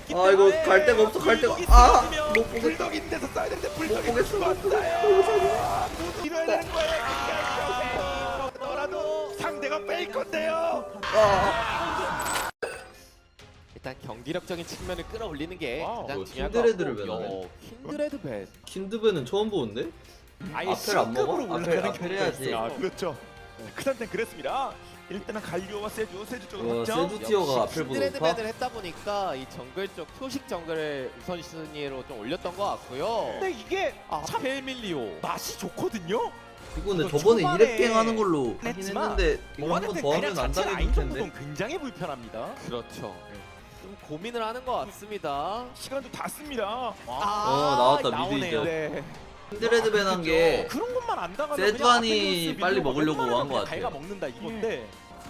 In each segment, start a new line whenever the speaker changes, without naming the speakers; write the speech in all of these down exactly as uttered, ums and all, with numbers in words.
있기
아 이거
때문에
갈 데가 없어 갈 데가
불독이
아
있으면
못 보겠다
불독인 데서 써야 되는데
못
불독이
보겠어 못 보겠어
죽었어요. 모두 이뤄야 되는 거예요. 너라도 상대가 페이커인데요.
아
일단 경기력적인 측면을 끌어올리는 게
와우,
가장
이거
중요한
킨드레드를
것 같고.
배나네.
야, 킨드레드 배.
킨드베는 처음 보는데?
아예
앞을 안 먹어?
C급으로
앞을
올라가는
앞을 해야지.
아 그렇죠. 그 상태는 그랬습니다. 일단은 갈리오와 세주 세주 쪽으로
와
확정.
세주 티어가
역시
앞을 보고
킨드레드
높아?
밴을 했다 보니까 이 정글 쪽 표식 정글을 우선순위로 좀 올렸던 것 같고요.
근데 이게
아,
참
펠밀리오.
맛이 좋거든요.
이거 근데
이거
저번에
초반에
이랩갱 하는 걸로 하긴
했지만
했는데 이거
뭐가
한 번
됐든
더
그냥
하면 안
자체
당해줄
라인전
텐데
구동 굉장히 불편합니다.
그렇죠. 좀 고민을 하는 것 같습니다.
시간도 다 씁니다.
아,
어, 나왔다, 미드
나오네요.
이제.
네.
킨드레드 밴한 게
그런 것만 안 당하면
세주안이 빨리 먹으려고 한 것 같아요.
갈가 먹는다 이건데.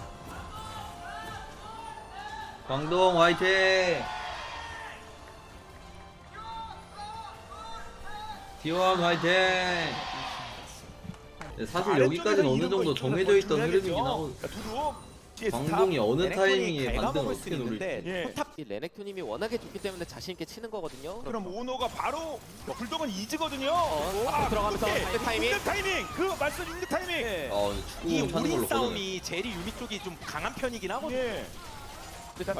광동 화이팅! 티원 화이팅! 네, 사실 여기까지는 어느 정도 정해져 있던 흐름이긴 하고 광동이 어느 타이밍에 반등을 어떻게 노릴지
예.
포탑 이 레넥토님이 워낙에 좋기 때문에 자신 있게 치는 거거든요.
그럼 오노가 바로 불독은 이즈거든요.
어, 앞으로 들어가면서
오케이.
상대 타이밍.
상대 타이밍. 그 말씀 있는 타이밍.
네.
어
이
축구 찾는
우린
걸로 꺼내
싸움이 제리 유미 쪽이 좀 강한 편이긴 하거든요.
예.
일단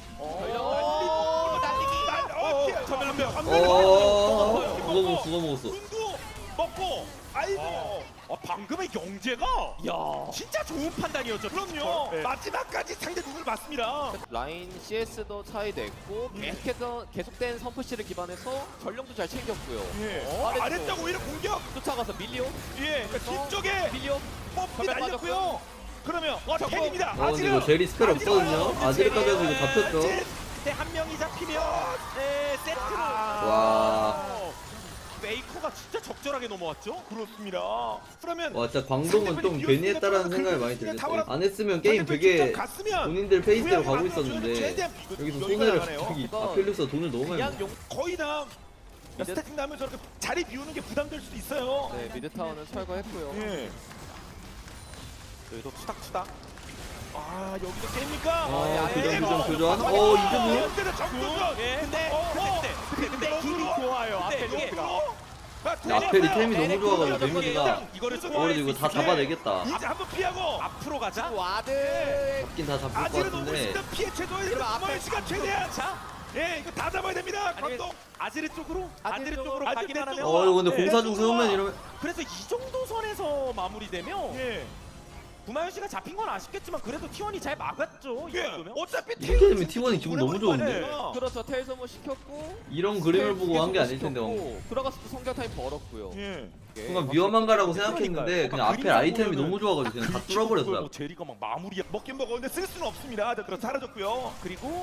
어,
날리기.
날- 어, 오케이. 전멸 명.
어 그거 먹었어 그거 먹었어
눈도 먹고. 아이고.
어, 방금의 영재가
야.
진짜 좋은 판단이었죠.
그럼요.
네.
마지막까지 상대 눈을 봤습니다.
라인 씨에스도 차이 냈고 계속해서 계속된 선푸시를 기반해서 전령도 잘 챙겼고요.
예.
어, 아래쪽.
아래쪽 오히려 공격.
쫓아가서 밀리오,
예. 그러니까 뒤쪽에
밀리오.
뽀삐
전멸
날렸고요. 그러면 어 팬입니다.
어 근데 이거 제리 스펠 없거든요 아지르까지 해서 이거 잡혔죠
근데 한 명이 잡히면 네, 세트로
와.
메이커가 진짜 적절하게 넘어왔죠.
그렇습니다. 그러면
와 진짜 광동은 좀 괜히 했다라는 생각이 많이 들었어요 안 했으면 게임
상대편
되게
직접 갔으면
본인들 페이스대로
후회하지
가고
말고
있었는데
최대한 이거
여기서
여기가
손해를
나가네요.
갑자기
이거
아펠리스가 돈을 너무 많이
그냥
먹어
용.
거의 다 스태팅 나면서 이렇게 자리 비우는 게 부담될 수도 있어요.
네 미드 타워는 철거했고요.
예.
여기도 투닥투닥.
아 여기서 깹니까?
아,
야,
교전,
예.
교전, 교전.
어,
어, 이제 뭐?
이제는 정교전.
예. 근데
어,
근데
어.
근데 근데 근데 힘이 좋아요.
근데
앞에
이게
로드가.
아펠이 템이 너무 좋아가지고
네,
데미지가
이거를
어 그래도
소화할
이거
수
다
있게
잡아내겠다
이제 한번 피하고
앞으로 가자.
와드.
잡긴 다 잡힐 것
아지를 너무
같은데
있으면 피해 최소화해야
그럼
남은
앞에
시간 최대한.
자,
예 이거 다 잡아야 됩니다.
아니면
광동.
아지르 쪽으로
아지르
아지르
쪽으로
쪽으로
아지르
가기만 하면
쪽으로.
어 이거 근데
예.
공사 중 세우면 이러면
그래서 이 정도 선에서 마무리되면
예.
구마현 씨가 잡힌 건 아쉽겠지만 그래도 티원이 잘 막았죠. 이
예.
정도면.
어차피
이렇게 되면 티원이 기분 너무 좋은데?
그렇죠. 텔 소모 시켰고.
이런 그림을
텔
보고 한 게
소모
아닐 텐데
시켰고, 들어가서 또 성경 타임 벌었고요.
예.
순간 위험한가라고 생각했는데 그냥 앞에 아이템이 너무 좋아가지고 그냥 다 뚫어버렸어요
뭐 제리가 막 마무리야.
먹긴 먹었는데 쓸 수는 없습니다. 자, 그럼 사라졌고요.
그리고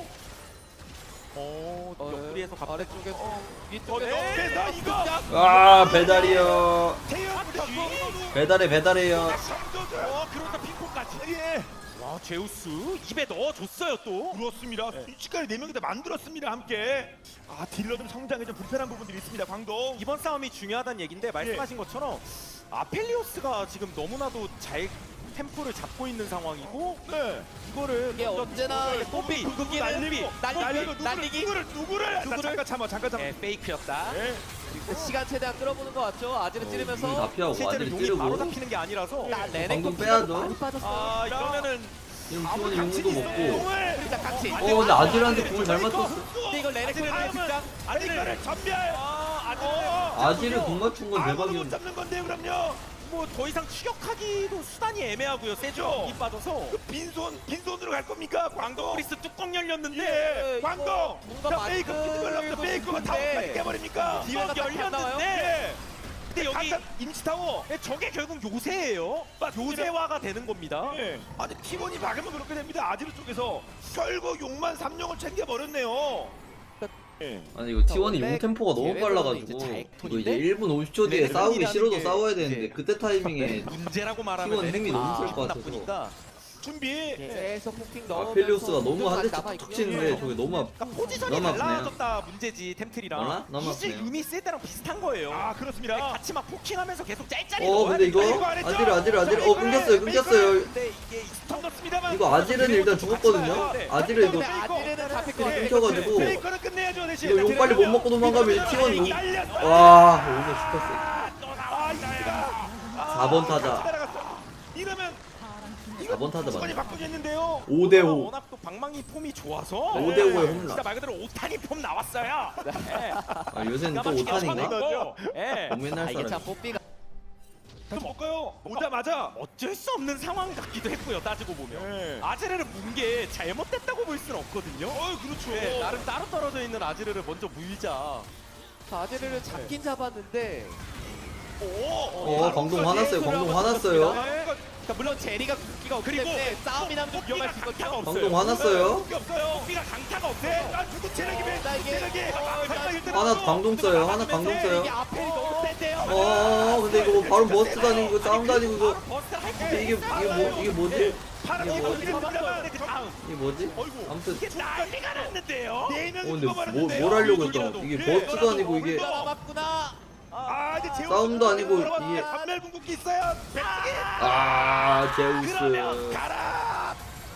어
어,
옆구리에서 갑자기
아래쪽에
어,
위쪽에
어, 그래서 이거
아 배달이요
태연부터 이거로
배달해 배달해요
성조절.
어 그러다 핑퐁까지.
예.
와 제우스 입에 넣어줬어요 또.
그렇습니다. 순식간에 네 명이 다 만들었습니다. 함께. 아 딜러들 성장에 좀 불편한 부분들이 있습니다. 광동.
이번 싸움이 중요하다는 얘긴데 말씀하신 것처럼 아펠리오스가 지금 너무나도 잘 템포를 잡고 있는 상황이고
네.
이거를
이게
먼저
언제나
뽀삐 뽀삐
누구
뽀삐
날리고
날리기
날리고 누구를,
날리기
누구를 누구를 나
누구를?
잠깐 참아 잠깐 참아.
네, 페이크였다.
예.
시간 최대한 끌어보는 것 같죠. 아지를
어,
찌르면서.
다 피하고
실제로
아들이
용이 바로
찌르고
잡히는 게 아니라서
나 레넥
방금 빼야죠.
많이 빠졌어요.
아 이러면은
지금 티원이 용도 먹고
일단 같이.
어 근데 아지르한테 공을 잘 맞췄어
근데 이거 레넥
아지를
선수의 등장.
아지를 전멸.
아 아지르
아지르 공 맞춘 건
아무도 못
대박이었는데
잡는 건데요. 그럼요.
뭐 더 이상 추격하기도 수단이 애매하고요. 세죠. 이 빠져서
그 빈손 빈손으로 갈 겁니까? 광동.
프리스 뚜껑 열렸는데
예.
이거
광동.
뭔가
자, 페이크 피드 걸렸어. 페이크가 다
싶은데.
없다니 깨버립니까?
기회가
뚜껑
딱히 안 나와요?
열렸는데
예.
근데 여기
간단 임시 타워.
네, 저게 결국 요새예요. 요새화가 되는 겁니다.
예. 아니 팀원이 막으면 그렇게 됩니다. 아지르 쪽에서 결국 용만 삼령을 챙겨 버렸네요. 예.
아니 이거 티원이
원래
용 템포가 너무
계획으로는
빨라가지고
이제 잘
이거 이제
톤인데?
일 분 오십 초 뒤에
네,
싸우기
런이라는
싫어도
게
싸워야 되는데
이제
그때 타이밍에
문제라고 말하면
티원 힘이
레넥톤이
너무 셀
기분
것 같아서.
나쁘니까.
준비.
계속 포킹 넣으면서.
아펠리오스가 너무 한 대씩
남아있고요.
툭툭 치는데 저게 너무 앞
그러니까 포지션이
너무 아프네요.
달라졌다 문제지 템틀이랑.
몰라? 너무
이즈
아프네요.
유미 쓸 때랑 비슷한 거예요.
아
네,
그렇습니다.
같이 막 포킹하면서 계속 짤짤이
어
넣어야
근데 이거
되니까
이거 안 했죠?
아지르 아지르 아지르
자,
어 끊겼어요 끊겼어요
근데 이게
던졌습니다만.
이거 아지르는 일단 죽었거든요 아지르 이거
근데 아지르는 잡힐 것 같아요.
끊겨가지고
페이커는 끝내야죠. 내줘 대신.
이거 용 빨리 못 먹고 도망가면
이거
티원 용.
날렸어.
와 오늘 슈퍼세.
아 이거야.
사 번 타자.
따라갔어. 이러면
사 번 타자
수관이
맞네.
바꾸겠는데요.
오 대 오.
워낙 또 방망이 폼이 좋아서
오 대 오의 홈런.
진짜 말 그대로 오타니 폼 나왔어요. 네.
아, 요새는 또
기가 막히게
오탄인가?
쳐내고, 예.
너무 옛날
아, 이게 참
사람.
뽀삐가
또 볼까요? 오자마자.
어쩔 수 없는 상황 같기도 했고요. 따지고 보면
네.
아즈레를 문 게 잘못됐다고 볼 수는 없거든요.
어 그렇죠.
네, 나름 따로 떨어져 있는 아즈레를 먼저 물자.
아지르를 잡긴 잡았는데
오.
어 광동 화났어요. 광동 화났어요.
그러니까 물론 제리가 굵기가 없기
그리고
때문에 싸움이 나면 좀 위험할 수
강타가
있거든요.
없어요.
광동 화났어요.
게 없어요.
삐가 강타가 없어요.
네. 아 누구 체력이 왜?
나 이게-
체력이.
하나 광동 써요. 하나 광동 써요.
이게 앞에 너무 센데요.
어 근데 이거 뭐 바로 버스 다니고 싸움 다니고 이거
버스 할
이게 이게 이게 뭐 이게 뭐지?
파란
이게
이거
뭐지?
잡았어요.
그 다음
이게 뭐지?
어이구.
아무튼
이게 난리가 났는데요.
네
어
명이
근데 뭐,
죽어버렸는데요.
뭘 하려고 했던 거 이게
예.
버스도 아니고 이게
물가 남았구나.
아 이제 제우
싸움도 아니고 이게-
반멸 궁극기 있어요. 백기.
아
그러면
제우스
가라.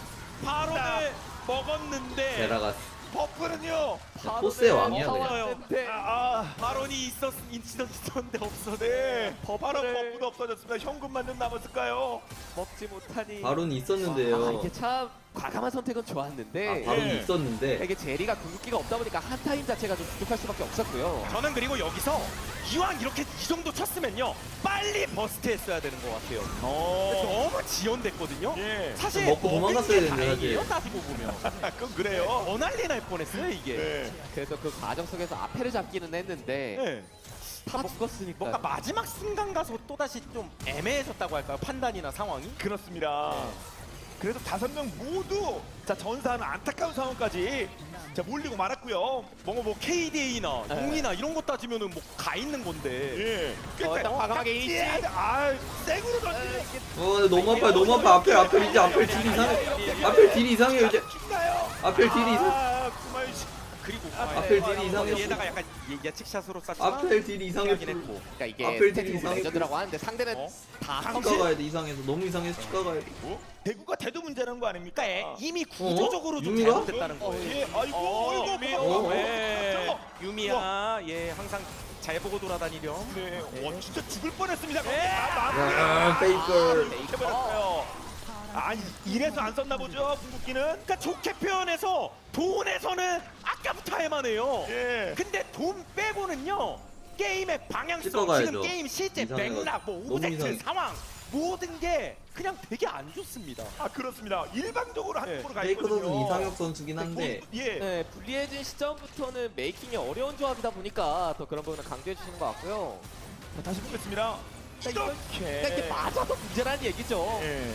바로를 먹었는데
베라가스
버프는요.
포스의 왕이야
어,
그냥.
왔는데.
아,
바론이 있었 있었 있었는데 없어.
네. 바로
버프를-
버프도 없어졌습니다. 현금만 좀 남았을까요?
먹지 못하니.
바론이
아,
있었는데요.
이게 참 과감한 선택은 좋았는데.
아 바론이
예.
있었는데
이게 제리가 궁극기가 없다 보니까 한 타임 자체가 좀 부족할 수밖에 없었고요.
저는 그리고 여기서 이왕 이렇게 이 정도 쳤으면요 빨리 버스트 했어야 되는 것 같아요.
어.
너무 지연됐거든요.
예.
사실
먹고
먹은
도망갔어야
게
되는데,
다행이에요,
사실.
따지고 보면.
그건 그래요.
더 난리 날 뻔했어요 이게.
네.
그래서 그 과정 속에서 앞에를 잡기는 했는데
네.
다 먹었으니까.
뭔가 마지막 순간 가서 또 다시 좀 애매해졌다고 할까요? 판단이나 상황이.
그렇습니다. 그래도 다섯 명 모두 자 전사하는 안타까운 상황까지 자 몰리고 말았고요.
뭔가 뭐 케이디에이나
네.
용이나 이런 거 따지면은 뭐 가 있는 건데.
예.
어, 일단 과감하게 이니시.
아, 생으로 던지는
어 근데 너무 아파요 너무 아파 앞에 앞에 이제 앞에 딜 이상해 앞에 딜 이상해요 이제
죽나요?
앞에 딜이 이상
아, 구마유 씨.
그리고
앞에 딜이 이상해
얘다가 약간 예- 예측샷으로 쐈지만
앞에 딜이 이상해
하긴 했고.
그러니까 이게
앞을
스태틱
되게 이상하게
레전드라고 하는데 상대는
어?
다
치과
컴실.
가야 돼 이상해서 너무 이상해서 치과 가야 돼
대구가 대도 문제라는 거 아닙니까?
그러니까 애- 이미 구조적으로 좀
유미가?
잘못됐다는
어,
거예요.
예. 아이고,
어,
아이고,
유미.
고마워.
어,
예. 유미야, 예, 항상 잘 보고 돌아다니렴.
네. 와, 진짜 죽을 뻔했습니다.
예.
아, 페이커.
해버렸어요. 아, 이- 이래서 안 썼나 보죠, 궁극기는?
그러니까 좋게 표현해서 돈에서는 아까부터 할만해요.
예.
근데 돈 빼고는요 게임의 방향성,
찍어가야죠.
지금 게임 실제
이상해가지고.
맥락, 뭐
너무
오브젝트
이상해.
상황 모든 게 그냥 되게 안 좋습니다.
아, 그렇습니다. 일방적으로
네.
한쪽으로 가
페이커 선수는
있거든요.
이상혁 선수긴 한데
예.
네, 불리해진 시점부터는 메이킹이 어려운 조합이다 보니까 더 그런 부분을 강조해 주시는 것 같고요.
자, 다시 보겠습니다.
그러니까
이렇게.
이게 맞아도 문제라는 얘기죠.
예.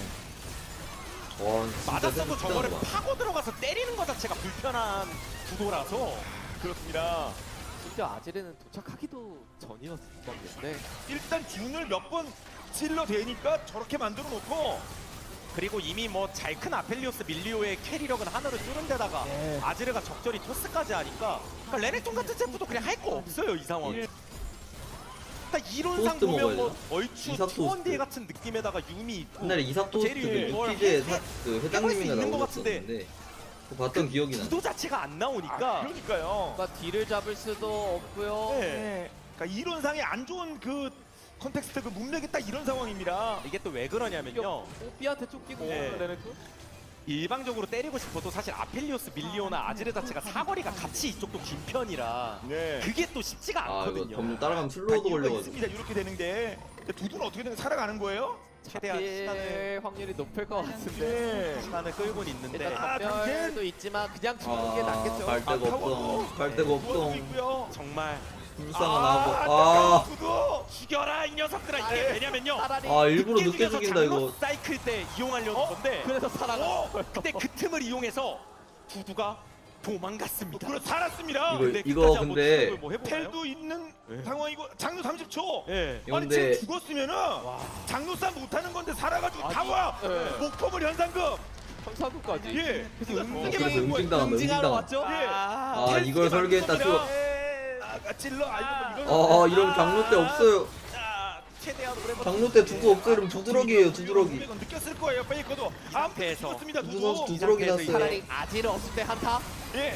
와 진짜
맞았어도
센스
저거를
봐.
파고 들어가서 때리는 것 자체가 불편한 구도라서
그렇습니다.
심지어 아지르는 도착하기도 전이었던 건데.
일단 균을 몇 번 찔러 대니까 저렇게 만들어 놓고
그리고 이미 뭐 잘 큰 아펠리오스 밀리오의 캐리력은 하늘을 뚫은 데다가
네.
아즈르가 적절히 토스까지 하니까 그러니까 레넥톤 같은 챔프도 그냥 할 거 없어요 이 상황이.
예.
그러니까 이론상
토스트
보면 뭐
먹어야
얼추
이삭
투원디에
토스트.
같은 느낌에다가 유미 있고
옛날에 이삭 토스트 그
제리에 뭘
유키즈의
해-
사- 그
해볼 수
회장님이가
있는 것 같은데.
나오셨었는데 그거 봤던 기억이 나.
구도 자체가 안
아,
나오니까
그러니까요.
뭔가 딜을 잡을 수도 없고요.
네.
네. 그러니까 이론상에 안 좋은 그 컨텍스트 그 문맥이 딱 이런 상황입니다.
이게 또 왜 그러냐면요
뽀삐한테 쫓기고
네.
레넥톤?
일방적으로 때리고 싶어도 사실 아펠리오스 밀리오나 아즈르 자체가 사거리가 같이 이쪽도 긴 편이라
네.
그게 또 쉽지가
아 이거
않거든요.
점점 따라가면
다
슬로우도
이유가
걸려가지고
있습니다. 이렇게 되는 게. 근데 두두는 어떻게 되는 살아가는 거예요?
최대한 시간을
필 확률이 높을 것 같은데.
네.
시간을 끌고는 있는데
일단
아,
전멸도 있지만 그냥 죽는 게 낫겠죠.
갈 데가
아,
없어
타워도
갈 데가
구워주고
없어
있고요.
정말
불쌍한
아,
하고
안타까운
아
두두.
죽여라 이 녀석들아 이게
아예.
왜냐면요
차라리
아 일부러 늦게
죽여서
죽인다 이거
장로 사이클 때 이용하려는
어?
건데
그래서 살아가.
어?
근데 그 틈을 이용해서 두두가 도망갔습니다.
그래 살았습니다.
이거-
근데
이거
끝까지 한번
근데
추격을 뭐 해보나요?
텔도 있는
네.
상황이고 장로 삼십 초.
예.
이거
아니
근데
지금 죽었으면은 장로 싸움 못하는 건데 살아가지고 다
아니,
와.
네.
목포물 현상금.
청사구까지.
예. 이거
음,
쓰게
그래서
만든 거예요.
응징당한다
응징하러
응징당
왔죠?
예.
아,
아 이걸 설계했다 또
예. 아, 찔러. 아, 이거 이거.
어, 어 이런 장로 때 없어요
자, 최대한 오래
장로 때 두고 없어요 이러면 두드러기예요 두드러기
이건 느꼈을 거예요. 페이커도. 아,
상태에서
죽었습니다.
두두 선수
두두.
두드러기
이 상태에서
났어요
차라리 아지르 없을 때 한타?
예.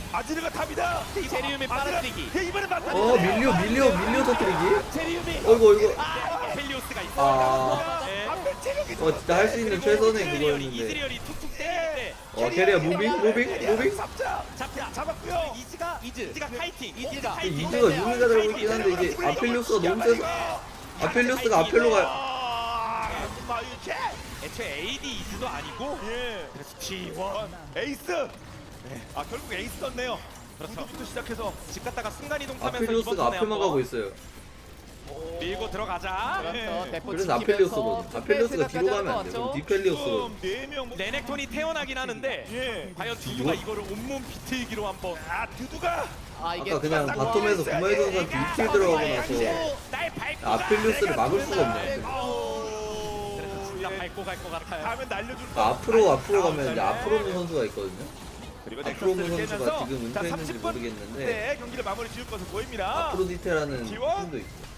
아지르가 답이다.
제리움의 빨아들이기.
예, 이번에 맞다.
어 밀리오 밀리오 밀리오 터뜨리기.
제리움이.
어이구 이거.
아펠리오스가 있어.
아.
네.
앞에 체력이
어 진짜 할 수 있는 최선의
이즈리얼이
그거였는데.
이즈리얼이 툭툭 때리는데
어 캐리어 무빙 무빙 무빙.
잡자.
잡자.
잡았고요.
이즈가
이즈.
이즈가 카이팅.
이즈가.
카이팅.
이즈가 유미가 들고 있긴 한데 이게 아펠리오스가 너무 세서 아펠리오스가 앞에로 가요.
아, 마유체.
애초에 에이디 이즈도 아니고
예.
그래서 지 원.
에이스. 아 결국 에이스 떴네요.
그렇죠.
부터 시작해서
집 갔다가 순간 이동 타면서 이번
아펠리오스가
턴에
앞에만
한번
가고 있어요.
밀고 들어가자.
그렇죠. 대포
그래서
지키면서
아펠리오스거든. 아펠리오스가 뒤로 가면 안 돼. 그럼 디펠리오스거든.
네명
레넥톤이 태어나긴 하는데
예.
과연 두두가 이거를 온몸 비틀기로 한번
아 두두가
아 이게
아까 그냥
싹
바텀에서
모아있어요.
구마이 선수한테 이킬 들어가고 나서
날 밟고
아펠리오스를 막을 수가 없네.
그래서 진짜 밟고 갈 것 같아요.
다음에 날려줄
그 앞으로 앞으로 가면 이제 앞으로 는 선수가 있거든요.
그리고
앞으로 는
넥서스를
선수가
깨면서
지금
자,
은퇴했는지
삼십 분
모르겠는데
네, 경기를 마무리 지을 것으로 보입니다.
아프로디테라는
지원?
팀도 있고.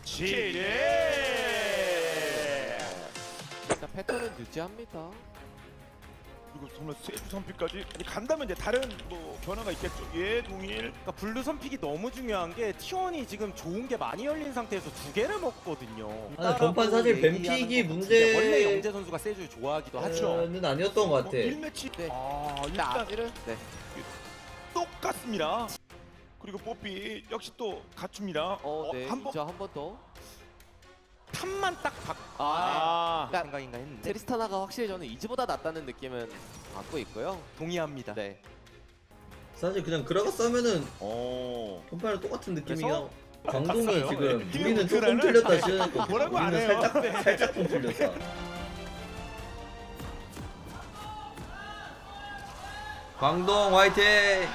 지뢰.
일단 패턴은 유지합니다.
그리고 정말 세주 선픽까지 아니, 간다면 이제 다른 뭐 변화가 있겠죠. 예, 동일.
그러니까 블루 선픽이 너무 중요한 게 티원이 지금 좋은 게 많이 열린 상태에서 두 개를 먹거든요.
아, 전판 사실
얘기하는
뱀픽이
건
문제-
원래 영재 선수가 세주 좋아하기도 하죠.
는 아니었던 것 같아.
뭐 일 매치.
네.
아,
일단
일단
아지를 네.
똑같습니다. 그리고 뽀삐 역시 또 갖춥니다.
어, 네.
한 번.
이제 한 번 더.
탑만 딱 박.
아,
아,
네.
생각인가 했는데
트리스타나가 확실히 저는 이즈보다 낫다는 느낌은 받고 있고요.
동의합니다.
네.
사실 그냥 그라가스 하면은
어.
전판이랑 똑같은 느낌이야.
그래서
광동이
봤어요.
지금
네.
우리는 조금
그라는
틀렸다 시전했고
뭐라고 안
우리는
해요.
살짝
네.
살짝 좀 틀렸다. 광동 화이팅!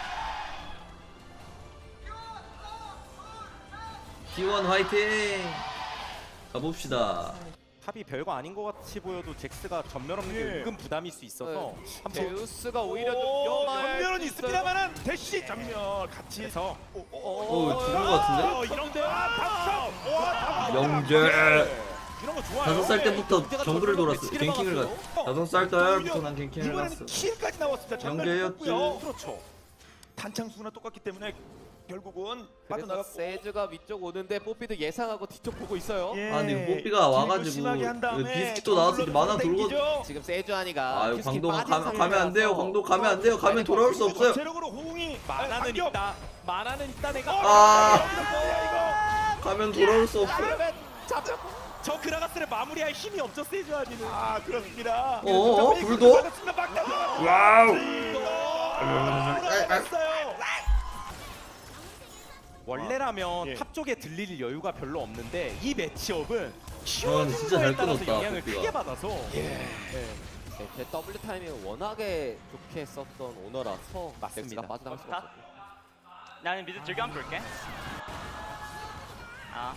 티원 화이팅! 가봅시다.
탑이 별거 아닌 것 같이 보여도 잭스가 전멸 없는 게
예.
은근 부담일 수 있어서 한번
제우스가 오히려 좀
오,
위험할
전멸은
수
있습니다만은 대시 전멸 같이.
그래서
오, 오,
오, 죽은 것 같은데?
어, 이런데 아, 당첨. 와,
영재.
이런 거 좋아요.
다섯 살 때부터
문제가
정글을
저절로
돌았어.
매치기를
갱킹을
막았어요.
갔어. 다섯 살 때부터 난 갱킹을 갔어.
이번에는 킬까지 나왔습니다. 전멸
영재였지.
떴고요.
그렇죠.
단창수나 똑같기 때문에 결국은
그래서
빠져나갔고.
세즈가 위쪽 오는데 뽀삐도 예상하고 뒤쪽 보고 있어요.
예.
아니 뽀삐가
딜도
와가지고
심하게 한 다음에
비스킷도 나와서 이제 만화 돌고.
땡기죠.
지금 세주아니가
아유
큐스키
광동
빠진
가, 가면 안 돼요.
상태라서
광동 가면 안 돼요. 가면 돌아올 수 없어요.
전체력으로 호응이
만화는
반격.
있다. 만화는 있다 내가.
아. 가면 돌아올 수 없어요.
그러면 잡혔고
저 그라가스를 마무리할 힘이 없죠 세주아니는.
아 그렇습니다.
어어, 불도? 와우.
돌아갔어요.
원래라면
예.
탑 쪽에 들릴 여유가 별로 없는데 이 매치업은
아,
키워준
진짜
거에
잘
따라서
끊었다,
영향을
뽀삐가.
크게 받아서
네, 제 W 타이밍을 워낙에 좋게 썼던 오너라서
맞습니다.
넥스가 빠져나갈 수가 없었고.
나는 미드 즐겨 한번 볼게. 아,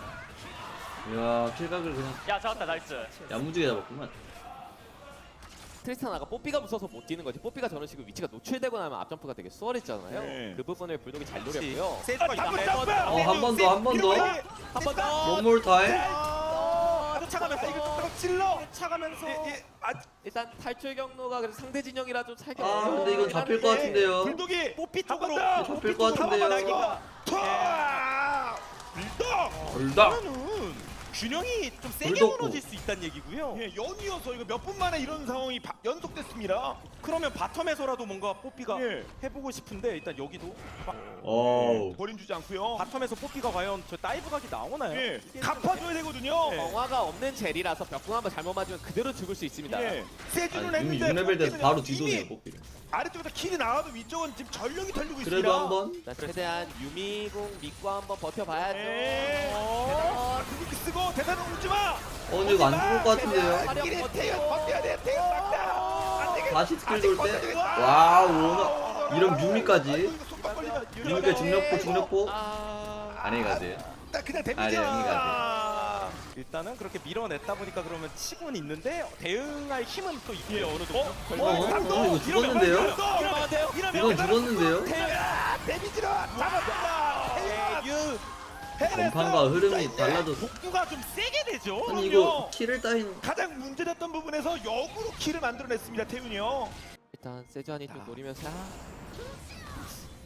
야 킬각을 그냥
야 잡았다 나이스.
야무지게 잡았구만.
트리스타나가 뽀삐가 무서워서 못 뛰는 거지. 뽀삐가 저런 식으로 위치가 노출되고 나면 앞점프가 되게 수월했잖아요.
네.
그 부분을 불독이 잘 노렸고요.
세주가 있다.
한번
매번
더.
어, 한번 더, 한번 더.
한 번 더.
원몰 타임.
아,
쫓아가면서
이거 또 찔러.
쫓아가면서
예, 예. 아,
일단 탈출 경로가 그래서 상대 진영이라 좀 살기
아
어려워요.
근데 이건 잡힐 것 같은데요.
불독이
뽀삐
한 번
쪽으로
더.
잡힐 것 같은데요.
투아. 불독.
불닭.
그러면은 균형이 좀 세게
불독고.
무너질 수 있다는 얘기고요.
예, 연이어서 이거 몇 분 만에 이런 상황이 바, 연속됐습니다.
그러면 바텀에서라도 뭔가 뽀삐가
예.
해보고 싶은데 일단 여기도
어우.
버림 주지 않고요.
바텀에서 뽀삐가 과연 저 다이브 각이 나오나요?
예,
이게
갚아줘야 되거든요.
네.
정화가 없는 젤이라서 벽궁 한번 잘못 맞으면 그대로 죽을 수 있습니다.
예, 세주는
아니 이미
했는데
육 레벨 돼서
뽀삐는
바로
이미
뒤도네요 뽀삐를.
아래쪽에서 킬이 나와도 위쪽은 지금 전력이 털리고 있습니다.
그래도 한번.
일단 최대한 유미궁 믿고 한번 버텨봐야죠.
예.
어,
아, 궁극기 쓰고 대단한 울지 마.
어 근데 이거 안 죽을 것 같은데요.
길에 태연 버텨야 돼. 태연 막다. 안 되겠다.
다시 스킬 돌 때.
아직
와우 오너. 이런 뮤미까지.
이거 속박 걸리면
뮤미까지 중력포 중력포.
아,
안에 가세요.
딱 그냥
아, 네,
데미지.
여기 가세요.
아.
일단은 그렇게 밀어냈다 보니까 그러면 치고는 있는데 대응할 힘은 또 있고요.
예.
어느 정도.
어?
어, 어, 이거 죽었는데요?
이러면 돼요?
이건 죽었는데요?
아, 데미지로 잡았다. 태연.
전판과 흐름이 달라졌어.
복구가 좀 세게 되죠.
아니 이거 킬을 따인.
가장 문제됐던 부분에서 역으로 킬을 만들어냈습니다. 태윤이 형.
일단 세주안이 좀 노리면서 아,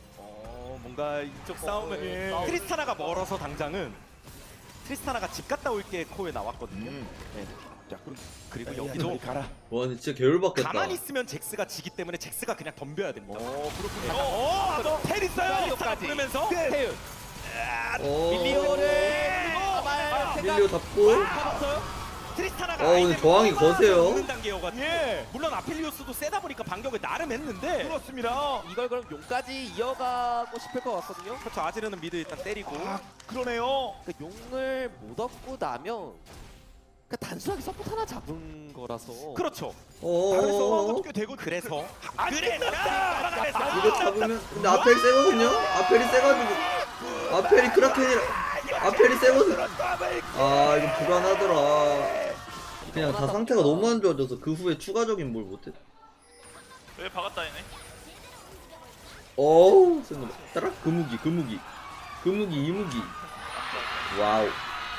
뭔가 이쪽 싸움은
예.
싸움.
트리스타나가 멀어서 당장은 트리스타나가 집 갔다 올게 코에 나왔거든요.
음.
네. 자, 그럼- 그리고
야,
여기도
저리 가라.
와 근데 진짜 개울받겠다.
가만히 있으면 잭스가 지기 때문에 잭스가 그냥 덤벼야 됩니다.
어, 그렇군요.
네.
어, 어, 텔 있어요.
트리스타나 부르면서
네.
태윤
어.
밀리오를
어,
아말 생각
밀리오 잡고.
잡았어요.
트리스타나가
어, 근데 저항이 거세요.
는 단계여가지고
예.
물론 아펠리오스도 세다 보니까 반격을 나름 했는데
그렇습니다.
이걸 그럼 용까지 이어가고 싶을 것 같거든요.
그렇죠. 아지르는 미드 일단 때리고
아, 그러네요.
그 용을 못 얻고 나면 그 단순하게 서포트 하나 잡은 거라서.
그렇죠.
다른 서버도
어.
꽤 되고
그래서
안 끝났다.
이거 잡으면 근데 아펠이 세거든요. 아펠이 세가지고 아펠이 크라켄이라 아펠이 세거든. 아 이거 불안하더라. 그냥 다 상태가 너무 안 좋아져서 그 후에 추가적인 뭘 못해.
왜 박았다 얘네?
어우 센 놈. 따라 그 무기 그 무기 그 무기 이 무기. 와우.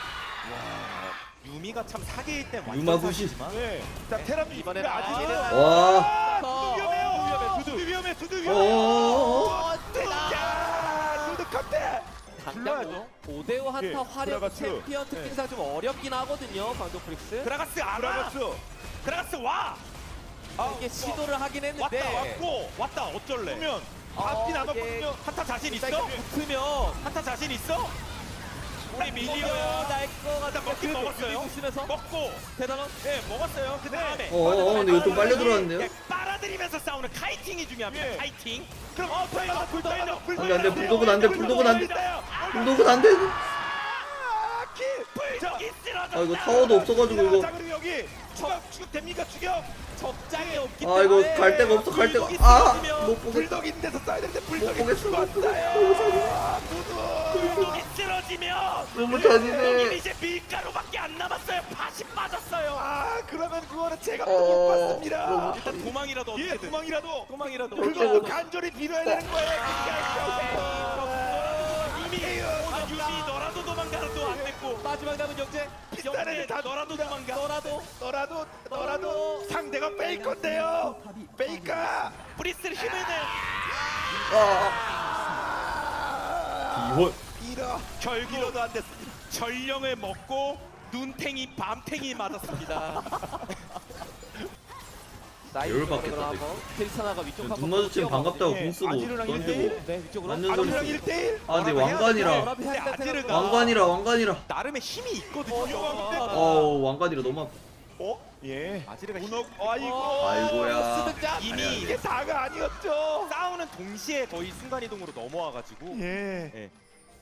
유미가 참 사기일 땐 완전
유마부시.
사기지만
네. 자, 테라미
이번에는
아직
아지르는
와.
두두 위험해요. 두두 위험해. 두두 위험해.
어어어.
야, 두두 컷대.
당장 오 대 오 한타
예,
화력
들어갔죠.
챔피언 특징상 좀 어렵긴 하거든요. 광동 프릭스.
그라가스 알아.
브라가스.
그라가스 와.
아,
이게 시도를 하긴
왔다
했는데
왔고 왔다 어쩔래?
보면
어,
앞이
이게
남았거든요.
한타 자신 있어?
일단 붙으면
한타 자신 있어? 우리 밀리오야.
날거 같은
먹긴 먹었어요.
쓰면서
먹고
대단한
네 먹었어요. 그 다음에
어어 근데 이거 좀 빨려 들어왔는데요.
빨아들이면서 싸우는 카이팅이 중요합니다.
예.
카이팅.
그럼 어, 불도 불도 불도.
안돼 안돼 불독은 안돼 불독은 안돼 불독은 안돼.
아, 키.
불독이 쓰러졌다.
아 이거 타워도 없어가지고 이거.
자, 그리고 여기 추격 추격 됩니까 추격?
적장이 없기
아
때문에
이거 갈 데가 없어 갈 데가. 아못 보겠어.
불독 있는 데서 써야 되는데
못
불독이
보겠어. 못 보겠어.
아, 두두.
불독이 쓰러지면
너무
여기
잔인해.
이제 밀가루밖에 안 남았어요. 팥이 빠졌어요.
아, 그러면 그거는 제가 또
어,
못 봤습니다.
너무
일단 도망이라도
예,
어떻게든.
도망이라도.
도망이라도.
그거 간절히 빌어야 되는 거예요.
이미 아, 유미 너라도 도망가도 안 됐고.
마지막 남은 영재
비싸네 다
너라도 도망가.
너라도
너라도 너라도 상대가 페이커인데요. 페이커.
브리스를 힘을 내.
이혼.
빌어.
결국
빌어도 안 됐습니다.
전령을 먹고 눈탱이 밤탱이 맞았습니다.
열받겠다,
페리사나가 위쪽
눈
한번
마주치면
뛰어가거든요.
반갑다고
예,
궁 쓰고
아지르랑
던지고.
일대일?
네 위쪽으로
완전
아지랑
소리.
일 대일.
아 근데
뭐라고 해야
왕관이라
워라비
근데
살짝
아지르가-
생각보다
왕관이라 왕관이라.
나름의 힘이 있거든요.
어, 이거
어우 왕관이라 너무 아파.
어? 예.
아지르가
문어.
힘-
아이고.
아이고야.
스득자
이미
이게 다가 아니었죠.
싸우는 동시에 거의 순간이동으로 넘어와가지고
예.
예.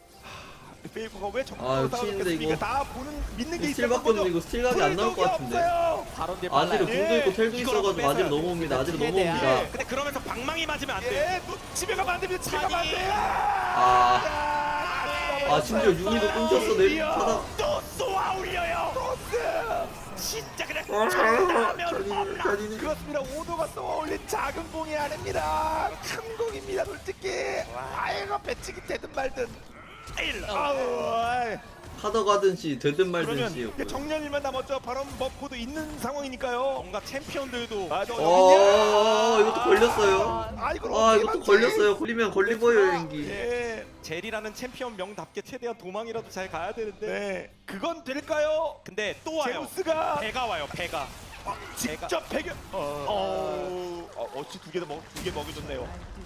페이커가 왜
아,
적극적으로
치는데
싸우겠습니까?
이거
다 보는 믿는 게 있었던
스틸밖에
거죠.
없는데 이거 스틸 각이 안 나올 것 같은데.
없어요.
바론딜
아지르
빨라요.
궁도
예.
있고 텔도
이거라도
있어가지고 아지르
뺏어야
넘어옵니다. 아지르
최대한.
넘어옵니다.
근데 그러면서 방망이 맞으면 안 돼.
예, 너 집에 가면 안 됩니다. 집에 가면 안 돼요.
아,
아,
아 심지어 유미도 끊겼어 내리 타다.
또 쏘아 올려요.
토스.
진짜 그냥
아,
장담하면
잔인해,
홈런.
잔인해.
그렇습니다. 오도가 쏘아 올린 작은 공이 아닙니다. 큰 공입니다. 솔직히. 아이고 배치기 되든 말든. 아우. 아이.
하더 가든지 되든 말든
그러면
씨였고요.
정년일만 남았죠. 바로 버프도 있는 상황이니까요.
뭔가 챔피언들도
아, 저
어, 이것도 걸렸어요.
아, 이걸
아
어떻게
이것도
막지?
걸렸어요. 걸리면 걸리버요 여행기.
예.
젤이라는 챔피언 명답게 최대한 도망이라도 잘 가야 되는데.
네. 그건 될까요?
근데 또 와요.
제우스가
배가 와요. 배가.
직접 배겨. 어. 어, 어찌 두 개도 먹, 두 개 먹여줬네요.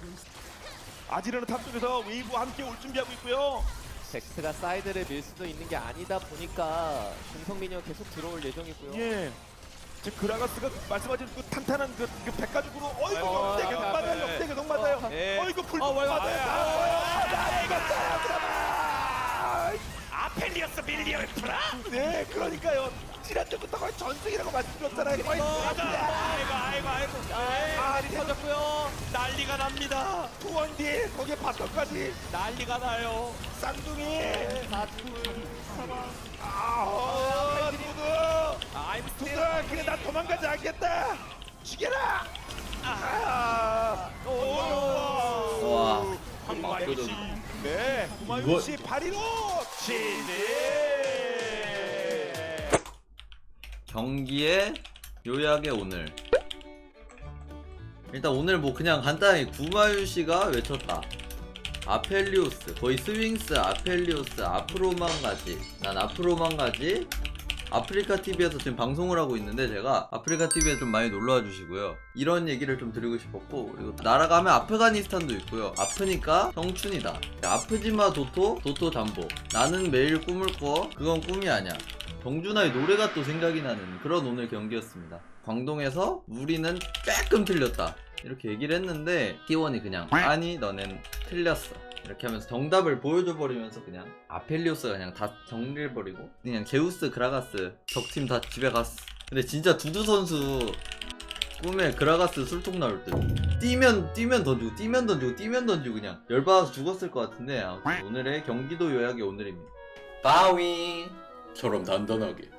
아지르는 탑 쪽에서 웨이브 함께 올 준비하고 있고요.
잭스가 사이드를 밀 수도 있는 게 아니다 보니까 공성민이 계속 들어올 예정이고요.
예. 지금 그라가스가 말씀하신 그 탄탄한 그, 그 백가죽으로 어이구
어,
역대 계속
아,
맞아요.
네.
역대 계속 맞아요.
어,
예.
어이구 불
어,
맞아요.
왜,
맞아요. 아, 나 이겼어요. 그라마.
아펠리어스 밀리언 프라.
네, 그러니까요. 지난주부터 거의 전승이라고 말씀드렸잖아요. 거의
맞아. 아이고 아이고 아이고.
아,
아, 터졌고요.
난리가 납니다.
투원딜 거기에 바텀까지
난리가 나요.
쌍둥이.
사투 사망.
아, 누구?
I'm
누구? 그래 나 도망가지 않겠다. 죽여라. 아, 오.
와.
황마윤 씨. 네, 구마윤
이거-
씨 파리로 치즈.
경기의 요약의 오늘. 일단 오늘 뭐 그냥 간단히 구마윤 씨가 외쳤다. 아펠리오스 거의 스윙스 아펠리오스 앞으로만 가지. 난 앞으로만 가지. 아프리카티비에서 지금 방송을 하고 있는데 제가 아프리카티비에 좀 많이 놀러와 주시고요. 이런 얘기를 좀 드리고 싶었고, 그리고 날아가면 아프가니스탄도 있고요. 아프니까 청춘이다. 아프지마 도토 도토 담보. 나는 매일 꿈을 꿔. 그건 꿈이 아니야. 정준하의 노래가 또 생각이 나는 그런 오늘 경기였습니다. 광동에서 우리는 조금 틀렸다 이렇게 얘기를 했는데 티원이 그냥 아니 너넨 틀렸어 이렇게 하면서 정답을 보여줘 버리면서 그냥 아펠리오스가 그냥 다 정리해버리고 그냥 제우스 그라가스 적팀 다 집에 갔어. 근데 진짜 두두 선수 꿈에 그라가스 술통 나올 듯. 뛰면 뛰면 던지고 뛰면 던지고 뛰면 던지고 그냥 열받아서 죽었을 것 같은데, 아무튼 오늘의 경기도 요약이 오늘입니다. 바위처럼 단단하게